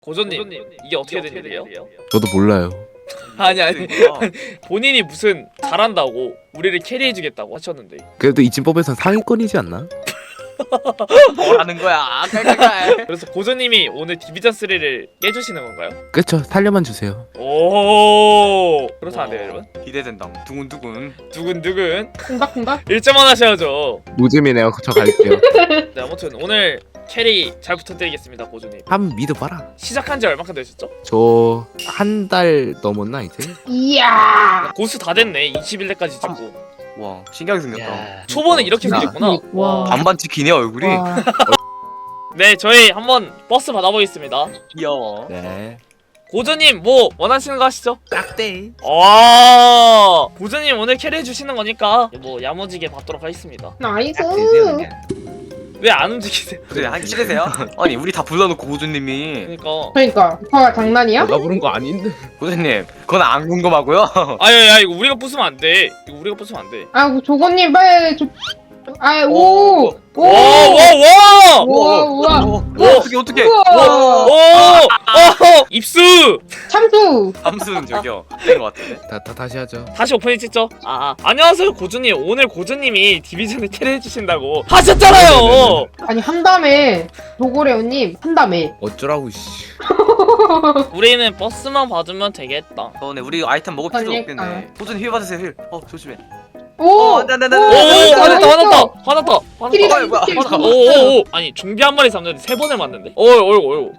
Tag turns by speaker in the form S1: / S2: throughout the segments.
S1: 고조님 이게 어떻게 된 일이에요?
S2: 저도 몰라요.
S1: 아니 본인이 무슨 잘한다고 우리를 캐리해주겠다고 하셨는데
S2: 그래도 이진법에선 상위권이지 않나?
S3: 뭐라는 거야? 깔깔깔.
S1: 그래서 고조님이 오늘 디비전 3를 깨주시는 건가요?
S2: 그쵸, 살려만 주세요.
S1: 오 그렇다는데요 여러분?
S3: 기대된다. 두근두근.
S1: 두근두근
S4: 쿵닥쿵닥?
S1: 1점만 하셔야죠.
S2: 노잼이네요. 저 갈게요.
S1: 네 아무튼 오늘 캐리 잘 부탁드리겠습니다 고조님.
S2: 한번 믿어봐라.
S1: 시작한 지 얼마큼 되셨죠?
S2: 저 한 달 넘었나 이제?
S4: 이야.
S1: 고수 다 됐네. 21대까지 찍고
S3: 와 신기하게 생겼다.
S1: 초반에 이렇게
S2: 진짜.
S1: 생겼구나.
S4: 와.
S3: 반반 찍히네 얼굴이.
S4: 와.
S1: 네 저희 한번 버스 받아보겠습니다.
S3: 귀여워.
S2: 네.
S1: 고조님 뭐 원하시는 거 하시죠?
S2: 딱대.
S1: 고조님 오늘 캐리 해주시는 거니까 뭐 야무지게 받도록 하겠습니다.
S4: 나이스.
S1: 왜 안 움직이세요?
S3: 그래 한 찍으세요? 아니 우리 다 불러놓고 고조님이.
S1: 그러니까
S4: 그러니까 오빠가 장난이야?
S2: 내가 부른 거 아닌데.
S3: 고조님 그건 안 궁금하고요.
S1: 아야 이거 우리가 부수면 안 돼. 이거 우리가 부수면 안 돼.
S4: 아 조건님 빨리 아
S3: 오.
S4: 오.
S1: 와와와
S4: 우와 우와.
S3: 어떻게
S4: 우와.
S1: 오 입수.
S4: 참수.
S3: 함수는 저기요 된것 같은데.
S2: 다시 하죠.
S1: 다시 오프닝 찍죠. 안녕하세요 고조님. 오늘 고조님이 디비전을 캐리 해주신다고 하셨잖아요.
S4: 아니 한다음에 도고래오님 한다음에.
S2: 어쩌라고 씨.
S1: 우리는 버스만 받으면 되겠다.
S3: 네 우리 아이템 먹을 필요
S4: 그러니까.
S3: 없겠네. 고조님 힐 받으세요 힐. 조심해.
S4: 오.
S3: 안돼.
S1: 오 화났다.
S4: 킬이다,
S3: 뭐야,
S4: 킬.
S3: 화났다.
S1: 오오오 아니 좀비 한 마리 잡는데 3번을 맞는데? 어이구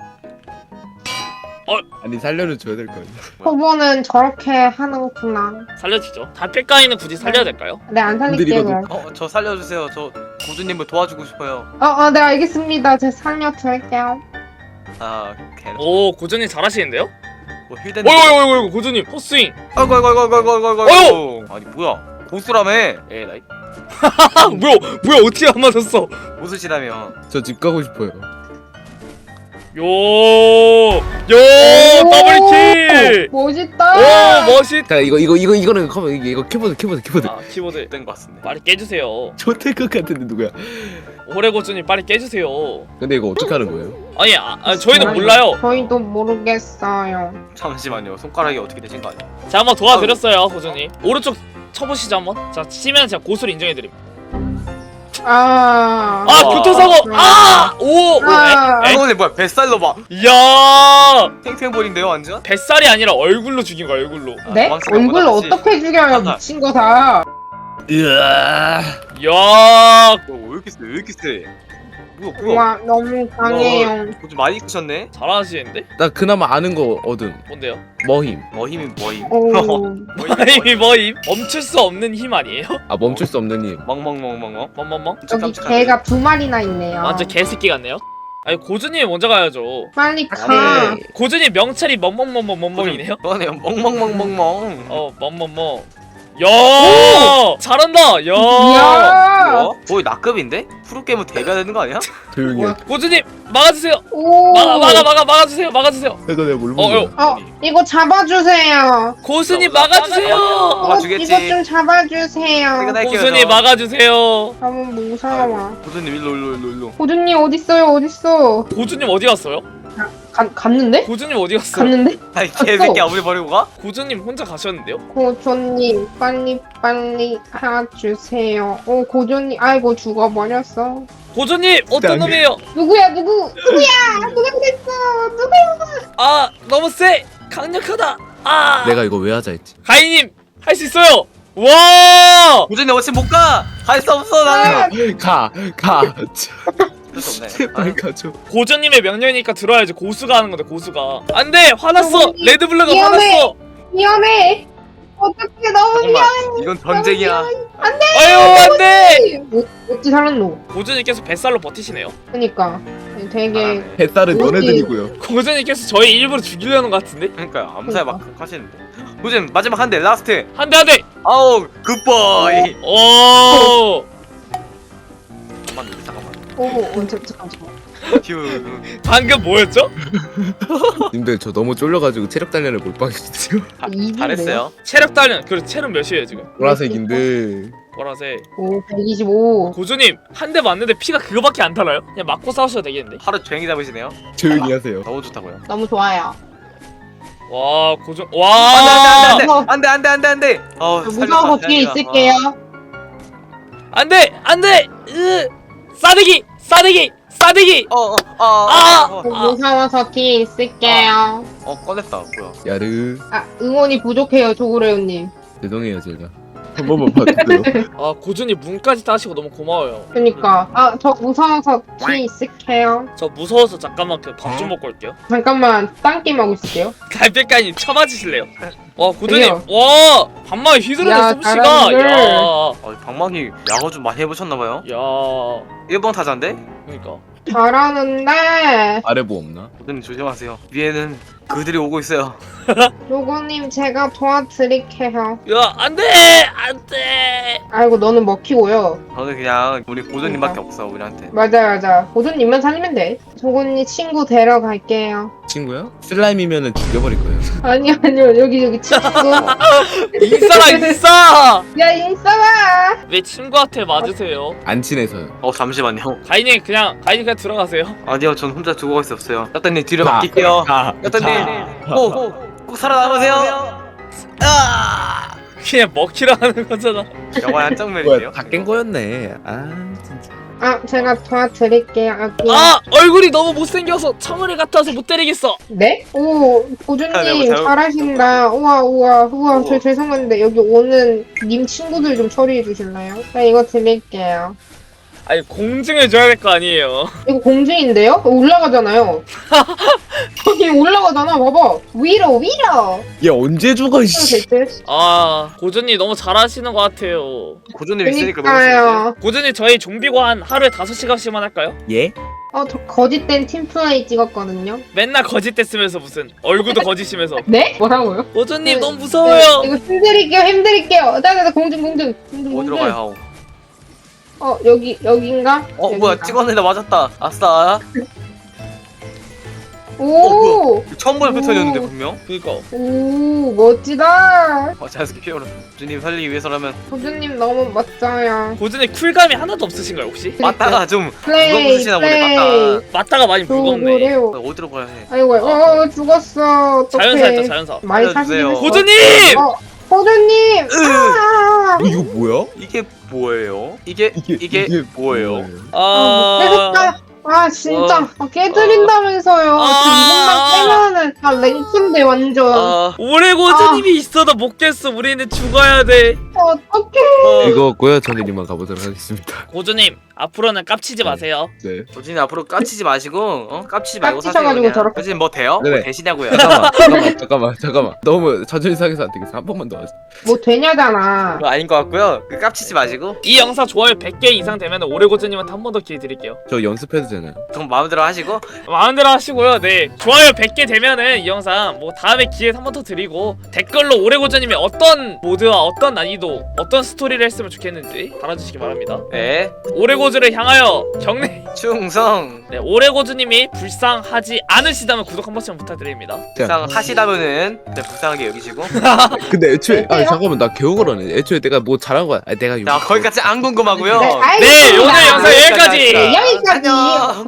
S2: 아니 살려는 줘야 될 거예요.
S4: 저번은 저렇게 하는구나.
S1: 살려주죠. 달빛가이는 굳이 살려야 될까요?
S4: 네 안 살릴게요.
S2: 건드리거든.
S4: 그럼.
S3: 저 살려주세요. 저 고조님을 도와주고 싶어요.
S4: 네 알겠습니다. 제가 살려드릴게요.
S3: 걔.
S1: 오 고조님 잘하시는데요?
S3: 뭐 힐den.
S1: 어이구 고조님 헛스윙.
S3: 아이고.
S1: 어휴!
S3: 아니 뭐야? 고수라며? 에라이.
S1: 뭐야 어떻게 안 맞았어?
S3: 고수시라며.
S2: 저 집 가고 싶어요.
S1: 요 더블킬.
S4: 멋있다.
S1: 오 멋있.
S2: 자 이거는 커버 이거 키보드.
S1: 키보드
S3: 된 것 같습니다.
S1: 빨리 깨주세요.
S2: 좋될 것 같은데 누구야?
S1: 오래 고조님 빨리 깨주세요.
S2: 근데 이거 어떻게 하는 거예요?
S1: 아니 저희는 몰라요.
S4: 저희도 모르겠어요.
S3: 잠시만요. 손가락이 어떻게 되신 거 아니야?
S1: 자 한번 도와드렸어요 고조님. 오른쪽 쳐보시죠 한번. 자 치면 제가 고수를 인정해드림. 교통사고.
S3: 이거는 뭐야? 뱃살로 봐.
S1: 이야
S3: 탱탱볼인데요, 완전?
S1: 뱃살이 아니라 얼굴로 죽인 거야 얼굴로.
S4: 네?
S3: 도망치는
S4: 얼굴을
S3: 거다, 그치?
S4: 어떻게 죽여요 미친 거다.
S2: 으아.
S1: 이야
S3: 왜 이렇게 세? 뭐야?
S4: 와 너무 강해요.
S3: 좀 많이 크셨네?
S1: 잘하시는데?
S2: 나 그나마 아는 거 얻음.
S1: 뭔데요?
S2: 머힘.
S3: 힘이 뭐임?
S4: 오.
S1: 힘이 뭐임? 멈출 수 없는 힘 아니에요?
S2: 아 멈출 수 없는 힘.
S3: 멍멍멍멍멍.
S1: 멍멍멍?
S4: 여기 개가 2마리나 있네요.
S1: 완전 개새끼 같네요? 아니 고준님 먼저 가야죠.
S4: 빨리 가.
S2: 네.
S1: 고준님 명찰이 멍멍멍멍멍멍이네요?
S3: 너네 멍멍멍멍멍.
S1: 멍멍멍 야 잘한다 야
S4: 이야.
S3: 뭐야? 거의 낙급인데? 프로게임은 데뷔해야 되는 거 아니야?
S2: 조용히 해.
S4: 뭐야?
S1: 고준님 막아주세요.
S4: 오.
S1: 막아주세요. 막아주세요.
S2: 내가 내가 뭘
S1: 어,
S2: 먹어?
S4: 이거 잡아주세요.
S1: 고수님
S3: 나
S1: 막아주세요.
S3: 막아주겠지.
S4: 이거 좀 잡아주세요.
S3: 퇴근할게요,
S1: 고수님
S3: 저.
S1: 막아주세요.
S4: 너무 무서워.
S3: 고수님 일로.
S4: 고준님 어딨어요?
S1: 고준님 어디 갔어요?
S4: 갔는데?
S1: 고준님 어디 갔어요?
S4: 갔는데?
S3: 아니 개새끼 아무리 버리고 가?
S1: 고준님 혼자 가셨는데요?
S4: 고조님 빨리 해주세요. 오 고조님 아이고 죽어버렸어.
S1: 고준님 어떤
S2: 안 돼.
S1: 놈이에요?
S4: 누구야 누구야 누가 그랬어 누가.
S1: 아 너무 세 강력하다.
S2: 내가 이거 왜 하자 했지?
S1: 가인님 할 수 있어요. 와
S3: 고수님 어찌 못 가? 갈 수 없어 나는.
S2: 가.
S3: 그럴 수 없네.
S2: 제발 가줘.
S1: 고준님의 명령이니까 들어야지. 고수가 하는 건데 고수가 안돼 화났어.
S4: 고준님,
S1: 레드블루가
S4: 위험해.
S1: 화났어.
S4: 위험해. 어떻게 너무
S3: 잠깐만 이건 전쟁이야.
S1: 아유 안돼.
S4: 어찌 살았노?
S1: 고준님께서 뱃살로 버티시네요.
S4: 그니까 되게
S2: 뱃살은
S4: 뭐지?
S2: 너네들이고요.
S1: 고준님께서 저희 일부러 죽이려는 것 같은데.
S3: 그러니까요 암살 막 하시는데. 고수님 마지막 한 대 라스트.
S1: 한대.
S3: 아우 굿보이.
S1: 오.
S3: 잠깐만.
S4: 오 잠깐만.
S3: 휴.
S1: 방금 뭐였죠?
S2: 님들 저 너무 쫄려가지고 체력 단련을 못 받겠어요.
S3: 잘했어요.
S1: 체력 단련. 그리고 체력 몇이에요 지금?
S2: 보라색인데
S1: 보라색.
S4: 오 125.
S1: 고주님 한 대 맞는데 피가 그거밖에 안 달아요? 그냥 맞고 싸우셔도 되겠는데?
S3: 하루 종일 잡으시네요.
S2: 조용히 하세요.
S3: 너무 좋다고요.
S4: 너무 좋아요.
S1: 와 고준 와
S3: 안돼.
S4: 무서워서 뒤에 있을게요.
S1: 안돼 안돼 싸대기
S4: 무서워서 뒤에 있을게요.
S3: 꺼냈다. 뭐야?
S2: 야르.
S4: 아 응원이 부족해요 조구레오님.
S2: 죄송해요 제가. 한 번만 봐주세요.
S1: 아 고준이 문까지 따시고 너무 고마워요.
S4: 그니까 아 저 무서워서 뒤에 있을게요.
S1: 저 무서워서 잠깐만 그 밥 좀 먹고 올게요.
S4: 잠깐만 딴 게임 하고 있을게요.
S1: 갈비까지 쳐맞으실래요? 와 고준님
S4: 저기요.
S1: 와 반마에 휘두르는
S4: 야,
S1: 솜씨가
S4: 잘하는데.
S3: 방망이 야구 좀 많이 해보셨나봐요.
S1: 야
S3: 1번 타자인데?
S1: 그러니까
S4: 잘하는데
S2: 아래 뭐 없나?
S3: 고든님 조심하세요. 위에는 그들이 오고 있어요.
S4: 조구님 제가 도와드릴게요.
S1: 야 안돼
S4: 아이고 너는 먹히고요.
S3: 저는 그냥 우리 고든님밖에 없어 우리한테.
S4: 맞아 고조님만 살리면 돼. 조구님 친구 데려갈게요.
S2: 친구야? 슬라임이면은 죽여버릴 거예요.
S4: 아니요 여기 친구.
S1: 인싸
S4: 야 인싸봐.
S1: 왜 친구한테 맞으세요?
S2: 안 친해서요.
S3: 잠시만요.
S1: 가인이 그냥 들어가세요.
S3: 아니요, 전 혼자 두고 갈 수 없어요. 따따님 뒤로 맡길게요. 따따님 꼭 살아남으세요.
S1: 그냥 먹히라 하는 거잖아.
S3: 영화의 한 장면이에요.
S2: 뭐야 다 깬 거였네. 아 진짜.
S4: 아 제가 도와드릴게요. 여기.
S1: 아 얼굴이 너무 못생겨서 청어리 같아서 못 때리겠어.
S4: 네? 오 고조님
S3: 잘못-
S4: 잘하신다. 우와
S3: 우와.
S4: 저 죄송한데 여기 오는 님 친구들 좀 처리해 주실래요? 나 이거 드릴게요.
S1: 아니 공증을 줘야 될 거 아니에요.
S4: 이거 공중인데요? 올라가잖아요. 여기 올라가잖아. 봐봐. 위로.
S2: 얘 언제 죽어 씨.
S4: 될 듯.
S1: 아 고준이 너무 잘하시는 것 같아요.
S3: 고조님 있으니까 너무 좋은데.
S4: 그니까요.
S1: 고준이 저희 좀비관 하루에 5시간씩만 할까요?
S2: 예?
S4: 저 거짓된 팀플레이 찍었거든요.
S1: 맨날 거짓됐으면서 무슨 얼굴도 거짓이면서.
S4: 네? 뭐라고요?
S1: 고준님
S4: 네,
S1: 너무 무서워요.
S4: 이거 힘드릴게요. 나 공중.
S3: 어디로 가요?
S4: 여기인가?
S3: 뭐야
S4: 여기인가?
S3: 찍었는데 맞았다. 아싸.
S4: 오!
S3: 처음 보는
S4: 오.
S3: 패턴이었는데 분명.
S1: 그니까
S4: 오, 멋지다.
S3: 자연스럽게 피어로. 고조님 살리기 위해서라면
S4: 고주님 너무 멋져요.
S1: 고준이 쿨감이 하나도 없으신가요 혹시?
S3: 맞다가 좀
S4: 플레이,
S3: 무거우시나 보네. 맞다.
S1: 맞다가 많이 무겁네.
S4: 그래요.
S3: 어디로 가야 해?
S4: 아이고, 죽었어. 어떡해.
S1: 자연사였다 자연사.
S4: 많이
S3: 살려주세요.
S4: 사시네요.
S1: 고준님!
S4: 고주님!
S2: 이거 뭐야?
S3: 이게 뭐예요? 이게 뭐예요?
S4: 깨졌다. 진짜. 깨드린다면서요.
S1: 아.
S4: 이것만 깨면은 다 랭킹데 완전.
S1: 올해 고준님이 있어도 못 깼어. 우리는 죽어야 돼.
S4: 어떡해.
S2: 이거고요. 저는 이만 가보도록 하겠습니다.
S1: 고준님 앞으로는 깝치지
S2: 네.
S1: 마세요.
S2: 네.
S3: 고준이 앞으로 깝치지 마시고 깝치지 말고 사세요.
S4: 깝치셔가지고
S3: 그냥.
S4: 저렇게.
S3: 고준님 뭐 돼요?
S2: 네네.
S3: 뭐 되시냐고요?
S2: 잠깐만. 너무 천천히 상해서 안 되겠어. 한 번만 더 하자.
S4: 뭐 되냐잖아.
S3: 그거 아닌 것 같고요. 깝치지 마시고
S1: 이 영상 좋아요 100개 이상 되면 올해 고준님한테 한 번 더 기회 드릴게요.
S2: 저 연습해도 되나요?
S3: 그럼 마음대로 하시고
S1: 마음대로 하시고요. 네 좋아요 100개 되면은 이 영상 뭐 다음에 기회 한 번 더 드리고 댓글로 올해 고준님이 어떤 모드와 어떤 난이도 어떤 스토리를 했으면 좋겠는지 달아주시기 바랍니다.
S3: 네
S1: 올해 고준을 향하여 경례.
S3: 충성
S1: 네 올해 고준님이 불쌍하지 않으시다면 구독 한 번씩만 부탁드립니다.
S3: 불쌍하시다면은 불쌍하게 여기시고
S2: 근데 애초에 잠깐만 나 개우거라네. 애초에 내가 뭐 잘한 거야. 내가
S3: 자 거기까지 안 궁금하고요.
S1: 네 오늘 영상 여기까지.
S4: 여기까지.
S3: 안녕.